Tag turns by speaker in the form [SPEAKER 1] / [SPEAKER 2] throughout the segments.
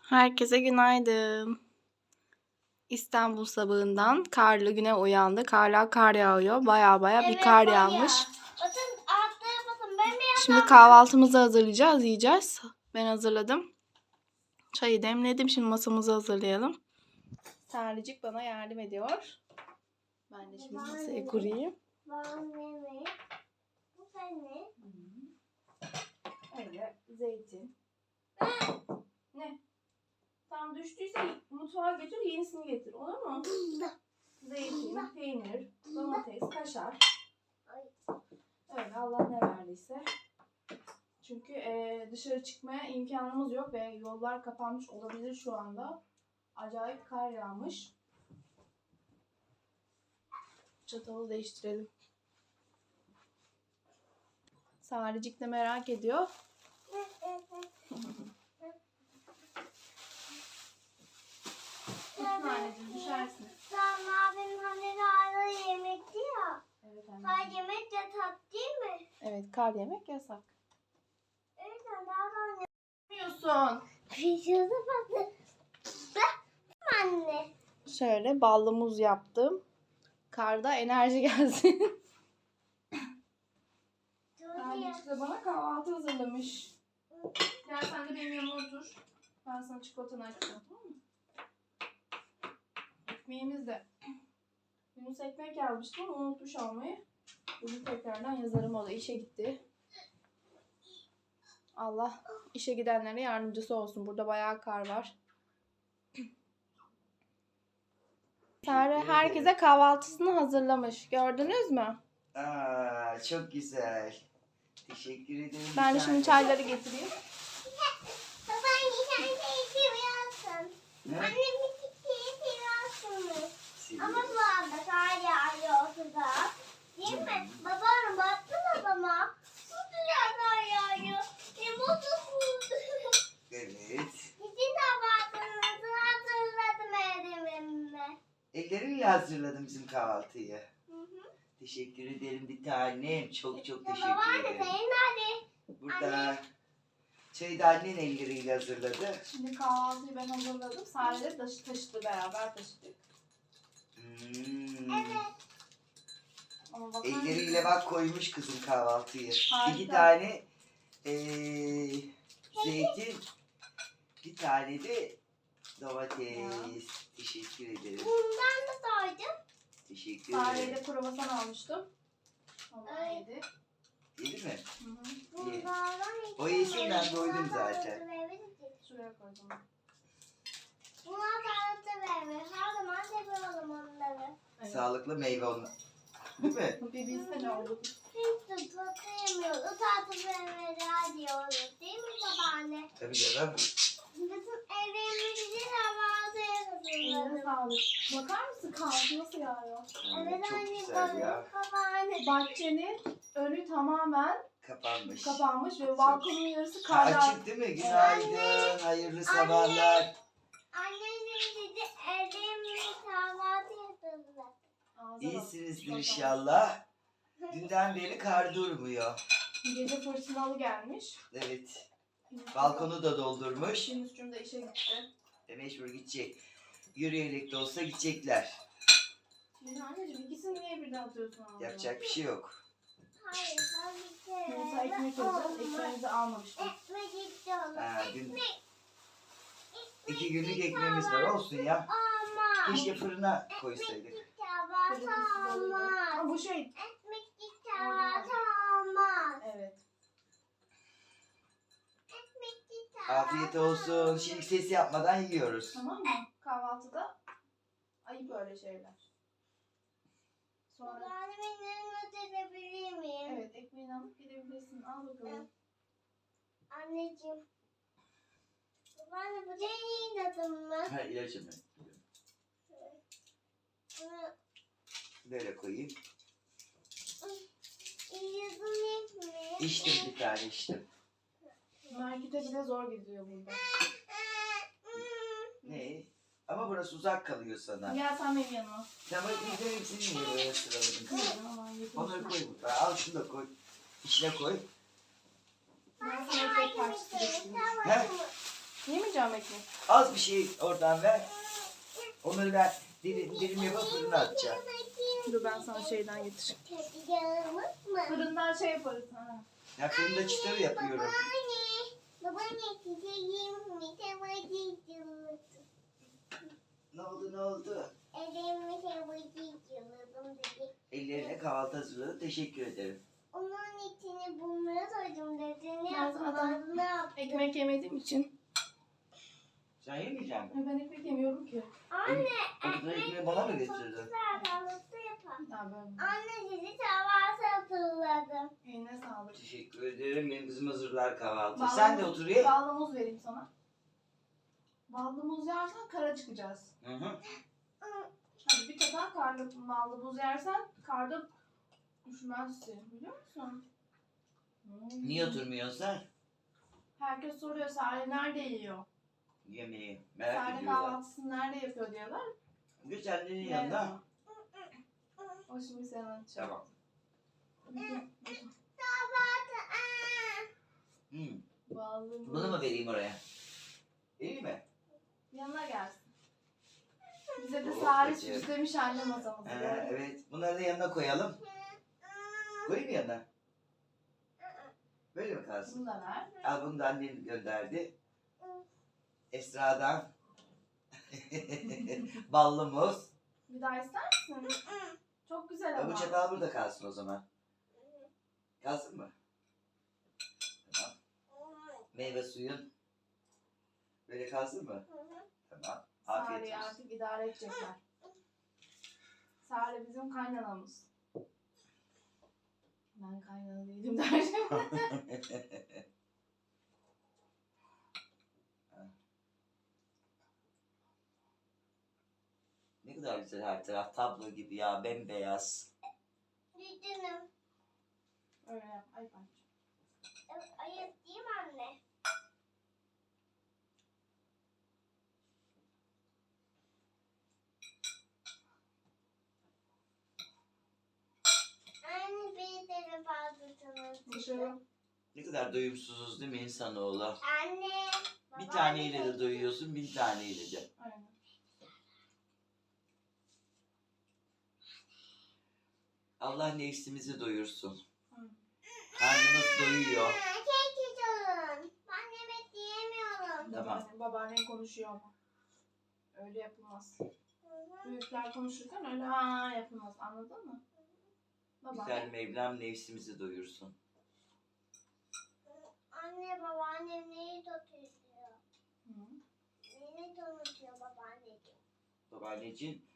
[SPEAKER 1] Herkese günaydın. İstanbul sabahından karlı güne uyandık. Hala kar yağıyor. Baya bir kar yağmış. Şimdi kahvaltımızı hazırlayacağız, yiyeceğiz. Ben hazırladım. Çayı demledim. Şimdi masamızı hazırlayalım. Sarıcık bana yardım ediyor. Ben de şimdi masaya kurayım. Öyle zeytin. Ne? Tam düştüyse mutfağa götür, yenisini getir. Olur mu? Zeytin, peynir, domates, kaşar. Öyle Allah ne verdiyse. Çünkü dışarı çıkmaya imkanımız yok ve yollar kapanmış olabilir şu anda. Acayip kar yağmış. Çatalı değiştirelim. Sarıcık da merak ediyor. Anneciğim düşersin.
[SPEAKER 2] Tamam abim hani hala yemekti ya.
[SPEAKER 1] Evet
[SPEAKER 2] Kar
[SPEAKER 1] anneciğim.
[SPEAKER 2] yemek yasak değil mi?
[SPEAKER 1] Evet, kar yemek yasak.
[SPEAKER 2] Evet daha
[SPEAKER 1] Ne yapıyorsun?
[SPEAKER 2] Pişirdi patlı. Anne.
[SPEAKER 1] Şöyle ballı muz yaptım. Karda enerji gelsin. Anneciğim de bana kahvaltı hazırlamış. Gel sen de benim yanıma otur. Ben sana çikolatanı açacağım. Tamam mı? Ekmeğimiz de. Yunus ekmek yazmıştım ama unutmuş almayı. Bugün tekrardan yazarım, o da işe gitti. Allah işe gidenlere yardımcısı olsun. Burada bayağı kar var. Sare herkese kahvaltısını hazırlamış. Gördünüz mü?
[SPEAKER 3] Aa, çok güzel. Teşekkür ederim.
[SPEAKER 1] Ben de şimdi çayları getireyim.
[SPEAKER 2] Baban sen de seviyorsun.
[SPEAKER 3] Ne?
[SPEAKER 2] Annem bir seviyorsunuz. Ama
[SPEAKER 3] Seviyorum.
[SPEAKER 2] bu anda kar yağıyor ortada. Değil mi? Babanın baktın adama. Bu güzel kar yağıyor. Mutlusun.
[SPEAKER 3] Evet.
[SPEAKER 2] Sizin kahvaltınızı hazırladım evimde.
[SPEAKER 3] Ellerinle hazırladım bizim kahvaltıyı. Teşekkür ederim bir tanem. Çok teşekkür
[SPEAKER 2] Babaanne
[SPEAKER 3] ederim.
[SPEAKER 2] senin nerede?
[SPEAKER 3] Burada çayı da annen elleriyle hazırladı.
[SPEAKER 1] Şimdi kahvaltıyı ben hazırladım. Sare de taşıdı, beraber taşıdık.
[SPEAKER 2] Evet.
[SPEAKER 1] Ama bakar
[SPEAKER 3] Elleriyle
[SPEAKER 1] mısın?
[SPEAKER 3] bak koymuş kızım kahvaltıyı.
[SPEAKER 1] Harika.
[SPEAKER 3] 2 tane zeytin, bir tane de domates.
[SPEAKER 1] Ya.
[SPEAKER 3] Teşekkür ederim.
[SPEAKER 2] Bundan da doydum.
[SPEAKER 3] Teşekkür
[SPEAKER 1] Sare'ye
[SPEAKER 3] ederim.
[SPEAKER 1] de kruvasan almıştım. Ondan
[SPEAKER 2] Ay.
[SPEAKER 1] yedi.
[SPEAKER 3] Yedi mi?
[SPEAKER 1] Hı hı.
[SPEAKER 2] Bunlardan hiç
[SPEAKER 3] O yesin, ben
[SPEAKER 2] yemedim.
[SPEAKER 3] doydum
[SPEAKER 2] Bunlar
[SPEAKER 3] zaten.
[SPEAKER 2] tanıtı verebiliriz.
[SPEAKER 1] Şuraya koydum.
[SPEAKER 2] Bunlar tanıtı vermiyor. Her zaman seviyorum onları.
[SPEAKER 1] Evet.
[SPEAKER 3] Sağlıklı meyve onlar. Değil mi?
[SPEAKER 1] Bir bilse ne oldu?
[SPEAKER 2] Hiç de tatlı yemiyoruz. O tatlı vermeler diyoruz. Değil mi babaanne?
[SPEAKER 3] Tabii canım.
[SPEAKER 2] Bizim evimizde kahvaltı
[SPEAKER 1] Eline
[SPEAKER 2] yapıyoruz.
[SPEAKER 1] sağlık. Bakar mısın kahvaltı nasıl yağıyor?
[SPEAKER 2] Evet
[SPEAKER 3] Çok
[SPEAKER 2] anne
[SPEAKER 3] güzel ya.
[SPEAKER 2] balık babaanne.
[SPEAKER 1] Bahçenin önü tamamen
[SPEAKER 3] Kapanmış.
[SPEAKER 1] kapanmış ve balkonun yarısı
[SPEAKER 3] Ha,
[SPEAKER 1] karla.
[SPEAKER 3] açık değil mi? Günaydın. Hayırlı sabahlar.
[SPEAKER 2] Annem dedi evimizde kahvaltı yapıyoruz.
[SPEAKER 3] İyisinizdir inşallah. Dünden beri kar durmuyor.
[SPEAKER 1] Gece fırtınalı gelmiş.
[SPEAKER 3] Evet. Balkonu da doldurmuş.
[SPEAKER 1] Yunus'cum da işe gitti.
[SPEAKER 3] Mecbur gidecek. Yürüyerek de olsa gidecekler.
[SPEAKER 1] Şimdi anneciğim ikisini niye birden atıyorsun ağzına?
[SPEAKER 3] Yapacak bir şey yok.
[SPEAKER 2] Hayır, hayır.
[SPEAKER 1] Yunus'a ekmek alacağız. Ekmeğimizi almamıştık.
[SPEAKER 2] Ekmek istiyorum.
[SPEAKER 3] Ha, dün 2 günlük ekmeğimiz var, olsun ya.
[SPEAKER 2] Ama.
[SPEAKER 3] Keşke fırına koysaydık.
[SPEAKER 2] Kahvaltı olmaz.
[SPEAKER 1] Ama bu şey.
[SPEAKER 2] Ekmek kahvaltı olmaz.
[SPEAKER 1] Evet.
[SPEAKER 2] Ekmek kahvaltı
[SPEAKER 3] Afiyet olsun. Şimdi ses yapmadan yiyoruz.
[SPEAKER 1] Tamam mı? Kahvaltıda ayıp öyle şeyler. Sonra
[SPEAKER 2] Babaanne beni ödeyebilir miyim?
[SPEAKER 1] evet, ekmeğini alıp gidebilirsin. Al bakalım.
[SPEAKER 2] Anneciğim. Babaanne bu senin adın mı?
[SPEAKER 3] Ha, ilacım ben.
[SPEAKER 2] Bunu
[SPEAKER 3] Böyle koyayım.
[SPEAKER 2] yazın mi?
[SPEAKER 3] İçtim bir tane içtim.
[SPEAKER 1] Markete bile zor gidiyor burada.
[SPEAKER 3] Ne? Ama burası uzak kalıyor sana.
[SPEAKER 1] Gel sen benim yanıma.
[SPEAKER 3] Tamam, biz de hepsini niye böyle sıraladın?
[SPEAKER 1] Aman yeter.
[SPEAKER 3] Onları koy burada. Al şunu da koy. İçine koy.
[SPEAKER 1] Ben sana ekmek parçası getireyim.
[SPEAKER 3] He?
[SPEAKER 1] Yemeyecek koyacağım ekmek.
[SPEAKER 3] Az bir şey oradan ver. Onları ben dilim yapıp fırına atacağım.
[SPEAKER 1] Dur ben sana şeyden getireyim.
[SPEAKER 2] Tadacağımız mı?
[SPEAKER 1] Fırından şey yaparız. Ha.
[SPEAKER 3] Ya fırında çıtır yapıyorum.
[SPEAKER 2] Babaanne çiçeğim mi temacıcılık.
[SPEAKER 3] Ne oldu?
[SPEAKER 2] Elimi temacıcılık dedi.
[SPEAKER 3] Ellerine kahvaltı hazırladı. Teşekkür ederim.
[SPEAKER 2] Onun içine bunları koydum dedi. Ne
[SPEAKER 1] Ben zaten
[SPEAKER 2] yapmadım, ne yaptım?
[SPEAKER 1] ekmek yemediğim için.
[SPEAKER 3] Sen yemeyecek misin?
[SPEAKER 1] Ben ekmek yemiyorum ki.
[SPEAKER 2] Anne,
[SPEAKER 3] O kadar ekmeği bana mı getirdin?
[SPEAKER 2] güzel kahvaltı yapalım.
[SPEAKER 1] Ya böyle.
[SPEAKER 2] Anne sizi kahvaltı hatırladım.
[SPEAKER 1] Eline sağlık.
[SPEAKER 3] Teşekkür ederim. Benim kızım hazırlar kahvaltı.
[SPEAKER 1] Bağlı-
[SPEAKER 3] Sen de otur ye.
[SPEAKER 1] Ballı muz vereyim sana. Ballı muz yersen kara çıkacağız.
[SPEAKER 3] Hı hı.
[SPEAKER 1] Hadi bir kadar ballı muz yersen karda düşmezsin. Biliyor musun?
[SPEAKER 3] Niye oturmuyorsun sen?
[SPEAKER 1] Herkes soruyor Sare nerede yiyor?
[SPEAKER 3] Yemeği. Merak
[SPEAKER 1] Sare
[SPEAKER 3] ediyorlar.
[SPEAKER 1] kahvaltısını nerede yapıyor diyorlar.
[SPEAKER 3] Güzelliğinin yanında.
[SPEAKER 1] O şimdi sen anlatacak.
[SPEAKER 3] Tamam.
[SPEAKER 2] Kahvaltı.
[SPEAKER 3] Hmm.
[SPEAKER 1] Ballı muz.
[SPEAKER 3] Bunu mu vereyim oraya? İyi mi?
[SPEAKER 1] Yanına gelsin. Bize de
[SPEAKER 3] Oh,
[SPEAKER 1] Sare
[SPEAKER 3] peki.
[SPEAKER 1] süslemiş anne masamızı.
[SPEAKER 3] Evet. Bunları da yanına koyalım. Koyayım mı yanına? Böyle mi kalsın?
[SPEAKER 1] Bunu da ver.
[SPEAKER 3] Al bunu da annen gönderdi. Esra'dan. Ballı muz.
[SPEAKER 1] Bir daha ister misin? Çok güzel ama.
[SPEAKER 3] Bu çatal burada kalsın o zaman. Kalsın mı? Tamam. Meyve suyun. Böyle kalsın mı? Tamam. Afiyet
[SPEAKER 1] Sare'yi
[SPEAKER 3] olsun.
[SPEAKER 1] artık idare edecekler. Sare bizim kaynanamız. Ben kaynana değilim derdim.
[SPEAKER 3] Ne kadar güzel her taraf. Tablo gibi ya. Bembeyaz.
[SPEAKER 2] Düdünüm.
[SPEAKER 1] Öyle yap. Ay bak.
[SPEAKER 2] Ayıp değil mi anne? Anne bir tane fazlasını
[SPEAKER 1] Dışarı.
[SPEAKER 3] Ne kadar doyumsuzuz değil mi insanoğlu?
[SPEAKER 2] Anne.
[SPEAKER 3] Bir taneyle de doyuyorsun, 1000 taneyle de.
[SPEAKER 1] Aynen.
[SPEAKER 3] Allah nefsimizi doyursun.
[SPEAKER 1] Hı.
[SPEAKER 3] Karnımız doyuyor.
[SPEAKER 2] Kek olun. Ben yemek yiyemiyorum.
[SPEAKER 3] Tamam.
[SPEAKER 1] Babaannen konuşuyor ama. Öyle yapılmaz. Büyükler konuşurken öyle ha yapılmaz. Anladın mı?
[SPEAKER 3] Güzel
[SPEAKER 1] Babaanne.
[SPEAKER 3] Mevlam nefsimizi doyursun.
[SPEAKER 2] Anne babaannem neyi tutuyor?
[SPEAKER 1] Hı.
[SPEAKER 2] Neyi tanıtıyor babaanneciğim?
[SPEAKER 3] Babaanneciğin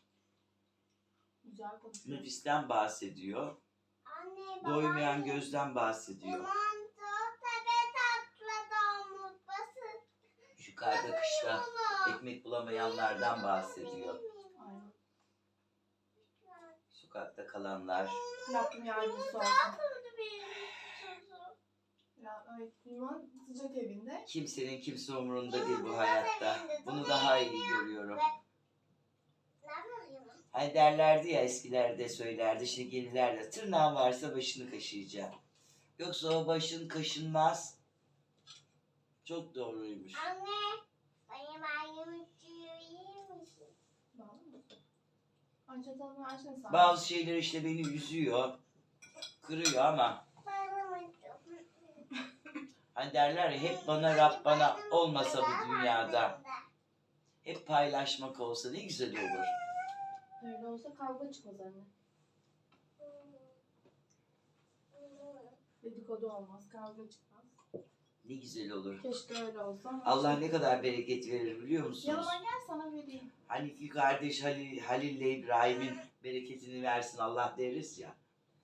[SPEAKER 1] Güzel konuşuyor.
[SPEAKER 3] nefisten bahsediyor.
[SPEAKER 2] Anne
[SPEAKER 3] Doymayan
[SPEAKER 2] babaannem.
[SPEAKER 3] gözden bahsediyor.
[SPEAKER 2] Limon tut tepe tatlı domuz basın.
[SPEAKER 3] Şu karda kışta ekmek bulamayanlardan bahsediyor.
[SPEAKER 1] Aynen.
[SPEAKER 3] Sokakta kalanlar.
[SPEAKER 1] Rabbim yardımcısı olsun. Ya, evet, limon sıcak evinde.
[SPEAKER 3] Kimsenin kimse umurunda değil bu hayatta. Bunu daha iyi görüyorum. Hani derlerdi ya eskilerde söylerdi, şimdi yeniler de tırnağın varsa başını kaşıyacağım. Yoksa o başın kaşınmaz. Çok doğruymuş.
[SPEAKER 2] Anne, benim ayımı yer misin?
[SPEAKER 1] Bağlı mı? Ay çatalını versene sana.
[SPEAKER 3] Bazı şeyler işte beni üzüyor, kırıyor ama hani derler ya hep bana Rab bana olmasa bu dünyada hep paylaşmak olsa ne güzel olur.
[SPEAKER 1] Öyle olsa kavga çıkmaz anne. Dedikodu olmaz, kavga çıkmaz.
[SPEAKER 3] Ne güzel olur.
[SPEAKER 1] Keşke öyle olsa. ama
[SPEAKER 3] Allah
[SPEAKER 1] işte-
[SPEAKER 3] ne kadar bereket verir biliyor musunuz?
[SPEAKER 1] Yanıma gel sana vereyim.
[SPEAKER 3] Hani iki kardeş Halil ile İbrahim'in bereketini versin Allah deriz ya.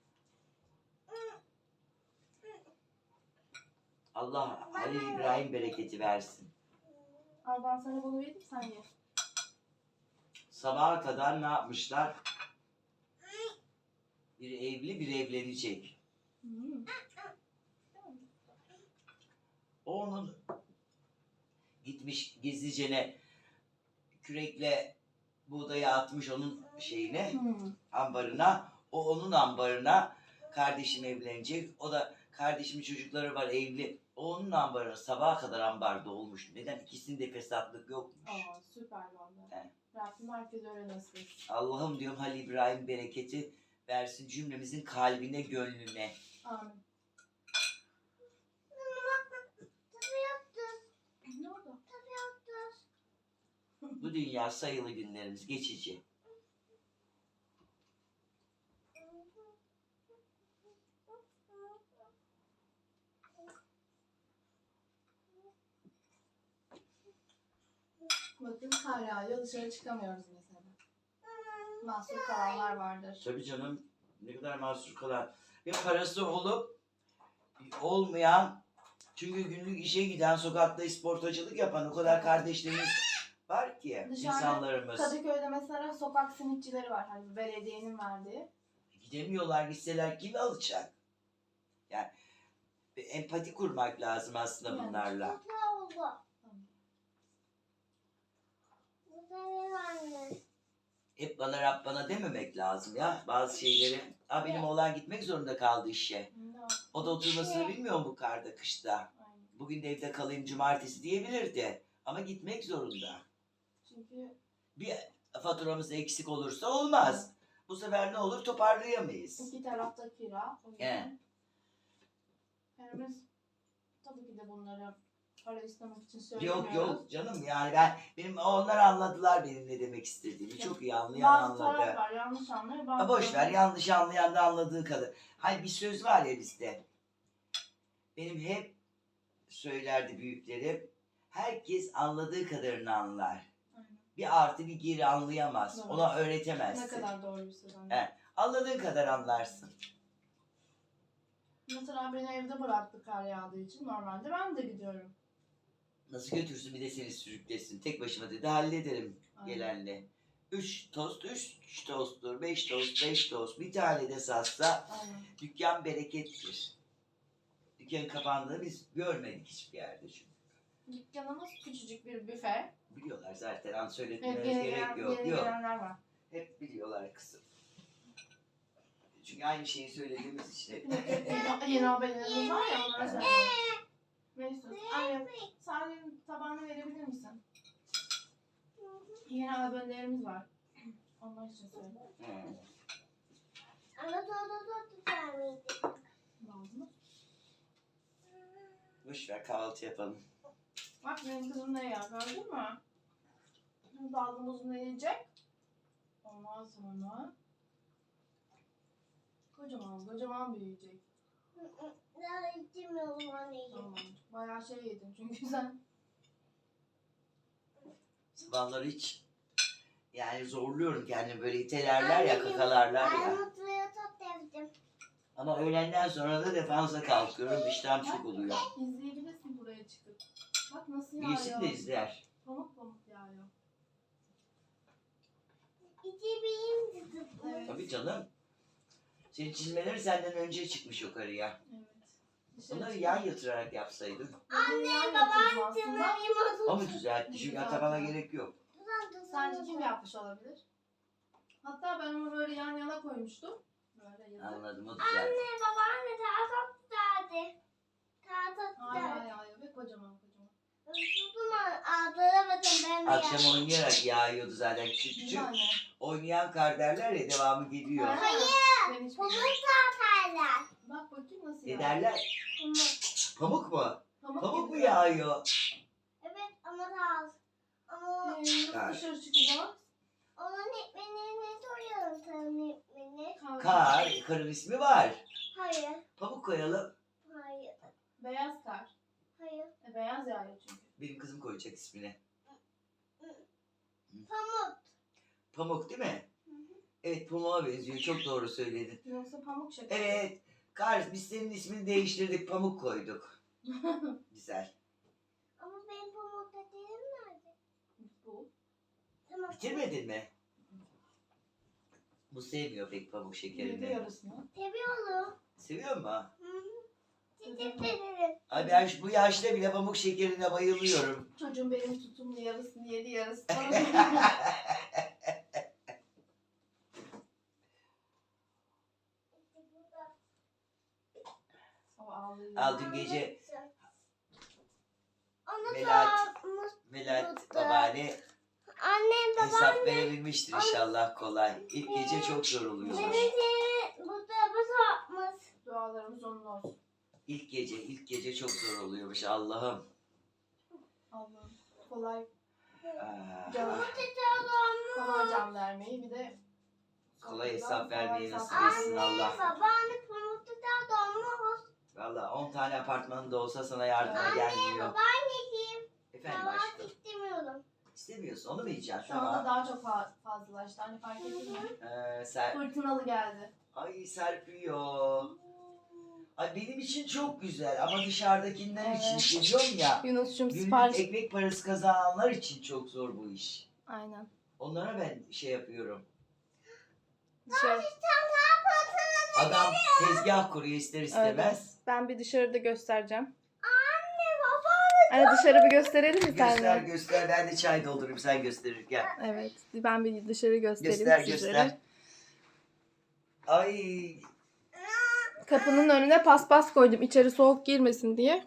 [SPEAKER 3] Allah Halil İbrahim bereketi versin.
[SPEAKER 1] Al ben sana bunu vereyim sen ye.
[SPEAKER 3] Sabaha kadar ne yapmışlar? Biri evli, biri evlenecek.
[SPEAKER 1] Hmm.
[SPEAKER 3] O onun gitmiş gizlicene kürekle buğdayı atmış onun şeyine,
[SPEAKER 1] Hmm.
[SPEAKER 3] ambarına. O onun ambarına kardeşim evlenecek. O da kardeşimin çocukları var evli. Onun ambarı sabaha kadar ambarda olmuş. Neden? İkisinde fesatlık yokmuş.
[SPEAKER 1] Aa, süper valla.
[SPEAKER 3] Evet.
[SPEAKER 1] Rabbim herkese öyle nasip etsin.
[SPEAKER 3] Allah'ım diyorum Halil İbrahim bereketi versin cümlemizin kalbine, gönlüne.
[SPEAKER 1] Amin.
[SPEAKER 2] Tabii yaptın.
[SPEAKER 1] Ne oldu?
[SPEAKER 2] Tabii yaptın.
[SPEAKER 3] Bu dünya sayılı günlerimiz geçici.
[SPEAKER 1] Bakın kar yağıyor, dışarı çıkamıyoruz mesela. Mahsur kalanlar vardır.
[SPEAKER 3] Tabii canım ne kadar mahsur kalan. Bir parası olup olmayan, çünkü günlük işe giden, sokakta isportacılık yapan o kadar kardeşlerimiz var ki
[SPEAKER 1] Dışarıda
[SPEAKER 3] insanlarımız.
[SPEAKER 1] Kadıköy'de mesela sokak simitçileri var. Hani belediyenin verdiği.
[SPEAKER 3] Gidemiyorlar, gitseler kim alacak? Yani bir empati kurmak lazım aslında
[SPEAKER 1] Yani.
[SPEAKER 3] bunlarla.
[SPEAKER 2] Tatlı oldu. Bu senin anne.
[SPEAKER 3] Hep bana Rab bana dememek lazım ya bazı şeyleri. Ha benim oğlan gitmek zorunda kaldı işe.
[SPEAKER 1] Ne o?
[SPEAKER 3] O da oturmasını bilmiyor mu bu karda kışta?
[SPEAKER 1] Aynen.
[SPEAKER 3] Bugün de evde kalayım cumartesi diyebilirdi. Ama gitmek zorunda.
[SPEAKER 1] Çünkü
[SPEAKER 3] Bir faturamız eksik olursa olmaz. Bu sefer ne olur toparlayamayız.
[SPEAKER 1] iki tarafta kira. O yüzden
[SPEAKER 3] Evet.
[SPEAKER 1] yani biz tabii ki de bunları para istemek için söylemiyoruz.
[SPEAKER 3] Yok canım yani benim onlar anladılar benim ne demek istediğimi. Çok iyi anlayan
[SPEAKER 1] Bazı
[SPEAKER 3] anladı.
[SPEAKER 1] taraf var, yanlış anlıyor. Bazı
[SPEAKER 3] Ha boş ver yanlış anlayan da anladığı kadar. Hani bir söz var ya bizde. Benim hep söylerdi büyüklerim. Herkes anladığı kadarını anlar.
[SPEAKER 1] Aynen.
[SPEAKER 3] Bir artı bir geri anlayamaz.
[SPEAKER 1] Doğru.
[SPEAKER 3] Ona öğretemezsin.
[SPEAKER 1] Ne kadar doğru bir söz anne.
[SPEAKER 3] Evet. Anladığın kadar anlarsın.
[SPEAKER 1] Mesela beni evde bıraktı kar yağdığı için. Normalde ben de gidiyorum.
[SPEAKER 3] Nasıl götürsün bir de seni sürüklesin. Tek başıma dedi hallederim
[SPEAKER 1] Aynen.
[SPEAKER 3] gelenle. 3 tost, 3 tosttur, 5 tost, 5 tost. Bir tane de satsa
[SPEAKER 1] Aynen.
[SPEAKER 3] dükkan berekettir. Dükkan kapandığını biz görmedik hiçbir yerde çünkü.
[SPEAKER 1] Dükkanımız küçücük bir büfe.
[SPEAKER 3] Biliyorlar zaten an
[SPEAKER 1] Evet,
[SPEAKER 3] söyletmeye
[SPEAKER 1] yeni,
[SPEAKER 3] gerek yok.
[SPEAKER 1] yeni
[SPEAKER 3] Yok.
[SPEAKER 1] gelenler var.
[SPEAKER 3] Hep biliyorlar kızım. Çünkü aynı şeyi söylediğimiz için hep.
[SPEAKER 1] Yeni haberlerimiz var ya onlara söylüyorum. Neyse. Anne Salim tabağını verebilir misin? Yeni haberlerimiz var. Onlar için söyle.
[SPEAKER 2] Ana tatlı vermeydi.
[SPEAKER 1] Lazım mı?
[SPEAKER 3] Boş ver kahvaltı yapalım.
[SPEAKER 1] Bak benim kızım ne ya gördün mü? Şimdi dalgımızı ne yiyecek? Ondan sonra kocaman büyüyecek.
[SPEAKER 2] Daha içemiyorum anneciğim.
[SPEAKER 1] Tamam. Bayağı şey yedin çünkü sen.
[SPEAKER 3] Sabahları hiç yani zorluyorum kendimi böyle itelerler ya kakalarlar ya.
[SPEAKER 2] Armutluya tat devdim.
[SPEAKER 3] Ama öğlenden sonra da defansa kalkıyorum. İştahım çok oluyor.
[SPEAKER 1] İzleyebilirsin buraya çıkıp. Bak nasıl yağıyor.
[SPEAKER 3] Yesin de izler.
[SPEAKER 1] Pamuk pamuk yağıyor.
[SPEAKER 2] İçebileyim dedim.
[SPEAKER 1] Evet.
[SPEAKER 3] Tabii canım. Senin çizmeleri senden önce çıkmış yukarıya.
[SPEAKER 1] Evet. Dışarı
[SPEAKER 3] Bunları
[SPEAKER 1] çıkıp-
[SPEAKER 3] yan yatırarak yapsaydın.
[SPEAKER 2] Anne babam
[SPEAKER 3] O mu düzeltti? Çünkü atamana gerek yok.
[SPEAKER 1] Sence kim yapmış olabilir? Hatta ben onu böyle yan yana koymuştum. Böyle yazıp.
[SPEAKER 3] Anladım o düzeltti.
[SPEAKER 2] Anne babaanne tahta tutardı. Tahta
[SPEAKER 1] Hayır
[SPEAKER 2] tutardı.
[SPEAKER 1] hayır hayır ve kocaman.
[SPEAKER 2] Tuttum ağzına bakın ben de
[SPEAKER 3] Akşam oynayarak yağıyordu zaten. Küçük
[SPEAKER 1] Değil
[SPEAKER 3] küçük
[SPEAKER 1] mi anne?
[SPEAKER 3] oynayan kar derler ya devamı geliyor.
[SPEAKER 2] Hayır.
[SPEAKER 1] Ben hiç
[SPEAKER 2] Pamuk
[SPEAKER 1] bilmiyorum.
[SPEAKER 2] tahtarlar.
[SPEAKER 1] Bak bakayım nasıl
[SPEAKER 3] Ne
[SPEAKER 1] yağıyor.
[SPEAKER 3] derler? Pamuk mu? Pamuk mu
[SPEAKER 1] gibi.
[SPEAKER 3] yağıyor?
[SPEAKER 2] Evet ama daha az. Ama
[SPEAKER 1] Nasıl
[SPEAKER 3] Kar.
[SPEAKER 1] dışarı çıkacağız?
[SPEAKER 2] onun etmenine soruyorum senin etmeni.
[SPEAKER 3] Kar. Karın ismi var.
[SPEAKER 2] Hayır.
[SPEAKER 3] Pamuk koyalım.
[SPEAKER 2] Hayır.
[SPEAKER 1] Beyaz kar.
[SPEAKER 2] Hayır.
[SPEAKER 1] Beyaz yağıyor çünkü.
[SPEAKER 3] Benim kızım koyacak ismini.
[SPEAKER 2] Pamuk.
[SPEAKER 3] Pamuk değil mi? Evet pamuğa benziyor. Çok doğru söyledin.
[SPEAKER 1] Yoksa pamuk şeker.
[SPEAKER 3] Evet. Kar biz senin ismini değiştirdik. Pamuk koyduk. Güzel.
[SPEAKER 2] Ama benim pamuk dediğim nerede?
[SPEAKER 1] Bu.
[SPEAKER 2] Tamam.
[SPEAKER 3] Bitirmedin mi? Bu sevmiyor pek pamuk
[SPEAKER 1] Yedi
[SPEAKER 3] şekerini.
[SPEAKER 1] yarısını.
[SPEAKER 2] Seviyorum.
[SPEAKER 3] Seviyor mu?
[SPEAKER 2] Hı hı. Teşekkür
[SPEAKER 3] Ay ben bu yaşta bile pamuk şekerine bayılıyorum.
[SPEAKER 1] Çocuğum benim tutumlu yarısını yedi yarısını. O Vallahi.
[SPEAKER 3] Al dün gece
[SPEAKER 2] Onu
[SPEAKER 3] Melahat
[SPEAKER 2] Tuttu.
[SPEAKER 3] babaanne
[SPEAKER 2] Annem
[SPEAKER 3] hesap
[SPEAKER 2] babam
[SPEAKER 3] verebilmiştir inşallah kolay. İlk gece çok zor oluyormuş.
[SPEAKER 2] benim seni bu tarafa satmış.
[SPEAKER 1] Dualarımız onun olsun.
[SPEAKER 3] İlk gece çok zor oluyormuş Allah'ım.
[SPEAKER 1] Allah'ım. Kolay.
[SPEAKER 3] Aa,
[SPEAKER 1] Canım.
[SPEAKER 2] Tutalım.
[SPEAKER 1] Kolay can vermeyi bir de
[SPEAKER 3] kolay hesap vermeyi nasip
[SPEAKER 1] hesap
[SPEAKER 3] etsin
[SPEAKER 1] vermeyi.
[SPEAKER 3] Allah.
[SPEAKER 2] Babaanne pamuk tutalım.
[SPEAKER 3] Valla 10 tane apartmanın da olsa sana yardıma
[SPEAKER 1] Anne,
[SPEAKER 3] gelmiyor.
[SPEAKER 2] Babaanneciğim.
[SPEAKER 3] Efendim
[SPEAKER 2] Kahvaltı
[SPEAKER 3] aşkım.
[SPEAKER 2] istemiyorum.
[SPEAKER 3] İstemiyorsun onu mu yiyeceksin?
[SPEAKER 1] Şu anda
[SPEAKER 3] Tamam.
[SPEAKER 1] daha çok fazlalaştı. Hani fark ettin mi? Fırtınalı geldi.
[SPEAKER 3] Ay serpiyor. Ay benim için çok güzel ama dışarıdakiler
[SPEAKER 1] Evet.
[SPEAKER 3] için geziyorum ya.
[SPEAKER 1] Yunus'cum
[SPEAKER 3] Günlük
[SPEAKER 1] sipariş.
[SPEAKER 3] ekmek parası kazananlar için çok zor bu iş.
[SPEAKER 1] Aynen.
[SPEAKER 3] Onlara ben şey yapıyorum.
[SPEAKER 1] Dışarı.
[SPEAKER 3] Adam tezgah kuruyor ister istemez.
[SPEAKER 1] Ben bir dışarıda göstereceğim.
[SPEAKER 2] Anne babaanne.
[SPEAKER 1] Hani dışarı bir gösterelim mi
[SPEAKER 3] Göster
[SPEAKER 1] seninle?
[SPEAKER 3] göster ben de çay doldurayım sen gösterirken.
[SPEAKER 1] Evet. Ben bir dışarı göstereyim
[SPEAKER 3] Göster
[SPEAKER 1] sizlere.
[SPEAKER 3] göster. Ay
[SPEAKER 1] Kapının önüne paspas koydum içeri soğuk girmesin diye.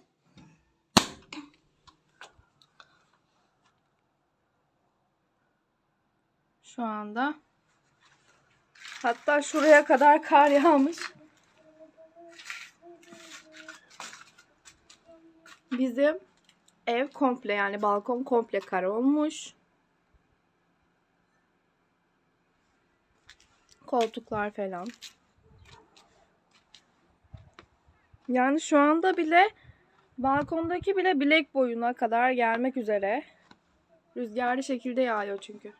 [SPEAKER 1] Şu anda. Hatta şuraya kadar kar yağmış. Bizim ev komple yani balkon komple kar olmuş. Koltuklar falan. Yani şu anda bile balkondaki bile bilek boyuna kadar gelmek üzere. Rüzgarlı şekilde yağıyor çünkü.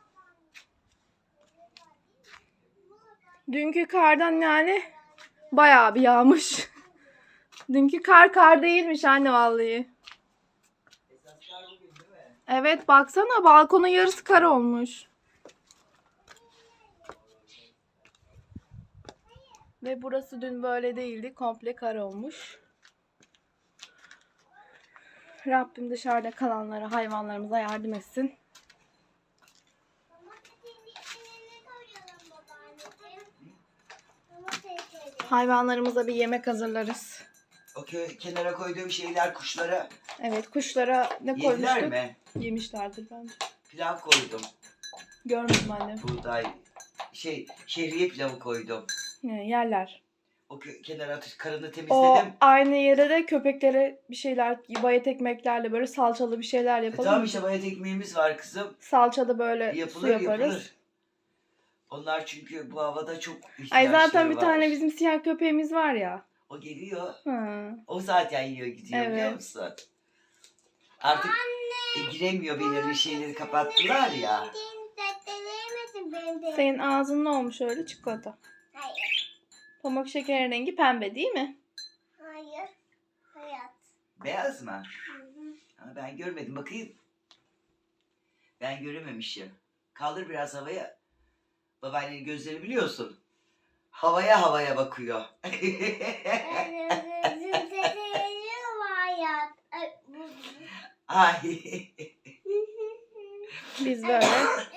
[SPEAKER 1] Dünkü kardan yani bayağı bir yağmış. Dünkü kar değilmiş anne vallahi.
[SPEAKER 3] esaslar bugün değil mi?
[SPEAKER 1] Evet baksana balkonun yarısı kar olmuş. Ve burası dün böyle değildi. Komple kar olmuş. Rabbim dışarıda kalanlara, hayvanlarımıza yardım etsin. Hayvanlarımıza bir yemek hazırlarız.
[SPEAKER 3] O kenara koyduğum şeyler kuşlara
[SPEAKER 1] Evet kuşlara ne
[SPEAKER 3] yediler
[SPEAKER 1] koymuştuk?
[SPEAKER 3] mi?
[SPEAKER 1] Yemişlerdir bence.
[SPEAKER 3] Pilav koydum.
[SPEAKER 1] Görmedim annem.
[SPEAKER 3] Buğday şehriye pilavı koydum.
[SPEAKER 1] Yerler.
[SPEAKER 3] O kenara karını
[SPEAKER 1] O
[SPEAKER 3] temizledim.
[SPEAKER 1] aynı yere de köpeklere bir şeyler, bayat ekmeklerle böyle salçalı bir şeyler yapalım.
[SPEAKER 3] Tamam
[SPEAKER 1] mı?
[SPEAKER 3] işte bayat ekmeğimiz var kızım.
[SPEAKER 1] Salçalı böyle
[SPEAKER 3] Yapılır
[SPEAKER 1] su yaparız.
[SPEAKER 3] yapılır. Onlar çünkü bu havada çok ihtiyaçları
[SPEAKER 1] Ay zaten bir
[SPEAKER 3] var.
[SPEAKER 1] tane bizim siyah köpeğimiz var ya.
[SPEAKER 3] O geliyor.
[SPEAKER 1] Hı.
[SPEAKER 3] O zaten yiyor gidiyor biliyor
[SPEAKER 1] Evet.
[SPEAKER 3] musun? Artık giremiyor belirli şeyleri kapattılar ya.
[SPEAKER 1] Senin ağzın ne olmuş öyle çikolata?
[SPEAKER 2] Hayır.
[SPEAKER 1] Pamuk şeker rengi pembe değil mi?
[SPEAKER 2] Hayır. Hayat.
[SPEAKER 3] Beyaz mı?
[SPEAKER 2] Hı hı.
[SPEAKER 3] Ha, ben görmedim bakayım. Ben görememişim. Kaldır biraz havaya. Babaannenin gözleri biliyorsun. Havaya bakıyor. Ay.
[SPEAKER 1] Biz böyle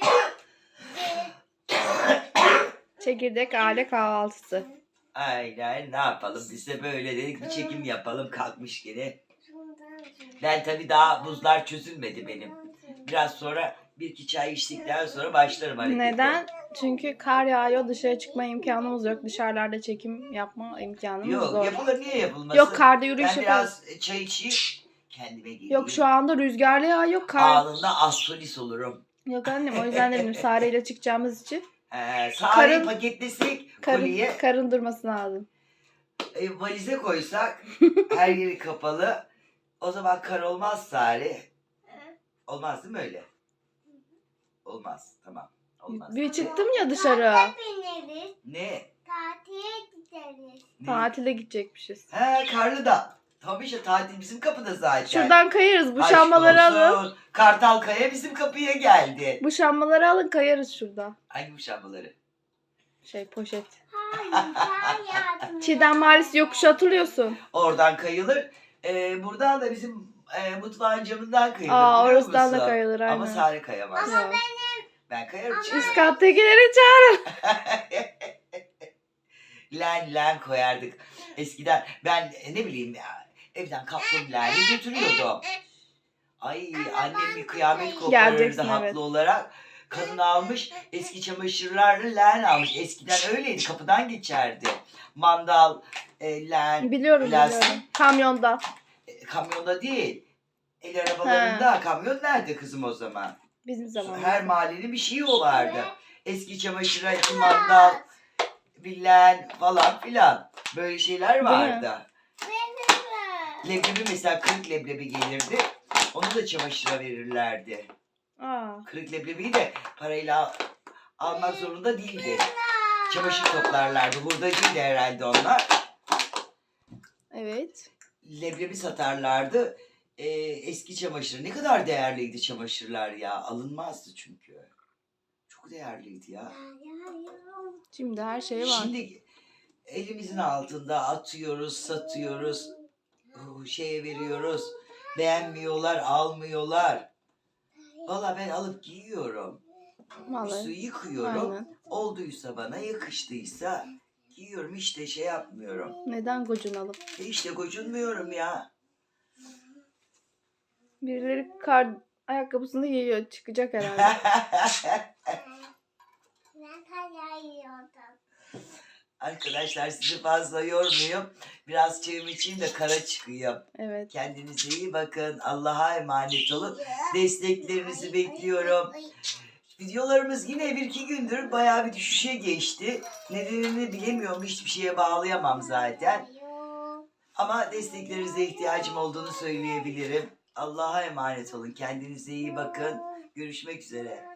[SPEAKER 1] çekirdek aile kahvaltısı.
[SPEAKER 3] Aynen ne yapalım biz de böyle dedik bir çekim yapalım kalkmış gene. Ben tabii daha buzlar çözülmedi benim. Biraz sonra bir iki çay içtikten sonra başlarım harekete.
[SPEAKER 1] Neden? Çünkü kar yağıyor dışarı çıkma imkanımız yok. Dışarılarda çekim yapma imkanımız
[SPEAKER 3] Yok
[SPEAKER 1] zor.
[SPEAKER 3] yapılır niye yapılmasın?
[SPEAKER 1] Yok karda yürüyüş
[SPEAKER 3] Ben
[SPEAKER 1] yaparız.
[SPEAKER 3] biraz çay içeyim kendime geleyim.
[SPEAKER 1] Yok şu anda rüzgarlı yağıyor kar.
[SPEAKER 3] Anında astrolis olurum.
[SPEAKER 1] Yok annem o yüzden dedim Sare ile çıkacağımız için.
[SPEAKER 3] Sareyi
[SPEAKER 1] Karın-
[SPEAKER 3] paketlesek koliye
[SPEAKER 1] Karın durması lazım.
[SPEAKER 3] valize koysak her yeri kapalı. O zaman kar olmaz Sare. Olmaz değil mi öyle? Olmaz tamam. Olmaz.
[SPEAKER 1] Bir çıktım ya dışarı.
[SPEAKER 2] Bineriz.
[SPEAKER 3] Ne?
[SPEAKER 2] Tatile gideriz.
[SPEAKER 3] Ne?
[SPEAKER 1] Tatile gidecekmişiz.
[SPEAKER 3] He karlı da. Tabii işte tatil bizim kapıda zaten.
[SPEAKER 1] Şuradan kayarız. Bu
[SPEAKER 3] Aşk
[SPEAKER 1] şambaları alın.
[SPEAKER 3] olsun. Kartalkaya bizim kapıya geldi.
[SPEAKER 1] Bu şambaları alın kayarız şurada.
[SPEAKER 3] Hangi bu şambaları?
[SPEAKER 1] Poşet.
[SPEAKER 2] Hayır. Hayatım.
[SPEAKER 1] Çiğdem Mahallesi yokuşu hatırlıyorsun.
[SPEAKER 3] Oradan kayılır. Buradan da bizim mutfağın camından kayılır.
[SPEAKER 1] Aa
[SPEAKER 3] biliyor
[SPEAKER 1] orasından da
[SPEAKER 3] musun?
[SPEAKER 1] kayılır aynen.
[SPEAKER 3] Ama Sare kayamaz. len koyardık. Eskiden ben ne bileyim ya, evden kaptım leğeni götürüyordum. Ay annem bir kıyamet koparırdı
[SPEAKER 1] Geleceksin,
[SPEAKER 3] haklı
[SPEAKER 1] evet.
[SPEAKER 3] olarak. Kadın almış eski çamaşırlarla leğen almış. Eskiden öyleydi, kapıdan geçerdi. Mandal, leğen,
[SPEAKER 1] Biliyorum
[SPEAKER 3] plastik.
[SPEAKER 1] biliyorum. Kamyonda.
[SPEAKER 3] Kamyonda değil. El arabalarında. Kamyon nerede kızım o zaman?
[SPEAKER 1] Bizim zamanımızda.
[SPEAKER 3] Her mahallenin bir şeyi o vardı. Eski çamaşıra iki mandal, bir leğen falan filan. Böyle şeyler vardı. Leblebi mesela, kırık leblebi gelirdi. Onu da çamaşıra verirlerdi.
[SPEAKER 1] Aa,
[SPEAKER 3] Kırık leblebiyi de parayla almak zorunda değildi. Çamaşır toplarlardı. Hurdacıydı herhalde onlar.
[SPEAKER 1] evet.
[SPEAKER 3] Leblebi satarlardı. Eski çamaşır. Ne kadar değerliydi çamaşırlar ya. Alınmazdı çünkü. Çok değerliydi ya.
[SPEAKER 1] Şimdi her şey var.
[SPEAKER 3] Şimdi elimizin altında atıyoruz, satıyoruz. Şeye veriyoruz. Beğenmiyorlar, almıyorlar. Valla ben alıp giyiyorum. Üstü
[SPEAKER 1] Vallahi.
[SPEAKER 3] yıkıyorum.
[SPEAKER 1] Aynen.
[SPEAKER 3] Olduysa bana, yakıştıysa giyiyorum. İşte şey yapmıyorum.
[SPEAKER 1] Neden gocunalım?
[SPEAKER 3] İşte gocunmuyorum ya.
[SPEAKER 1] Birileri kar ayakkabısını giyiyor. Çıkacak herhalde.
[SPEAKER 3] Arkadaşlar sizi fazla yormayayım. Biraz çayım içeyim de kara çıkayım.
[SPEAKER 1] Evet.
[SPEAKER 3] Kendinize iyi bakın. Allah'a emanet olun. Desteklerinizi bekliyorum. Videolarımız yine 1-2 gündür bayağı bir düşüşe geçti. Nedenini bilemiyorum. Hiçbir şeye bağlayamam zaten. Ama desteklerinize ihtiyacım olduğunu söyleyebilirim. Allah'a emanet olun. Kendinize iyi bakın. Görüşmek üzere.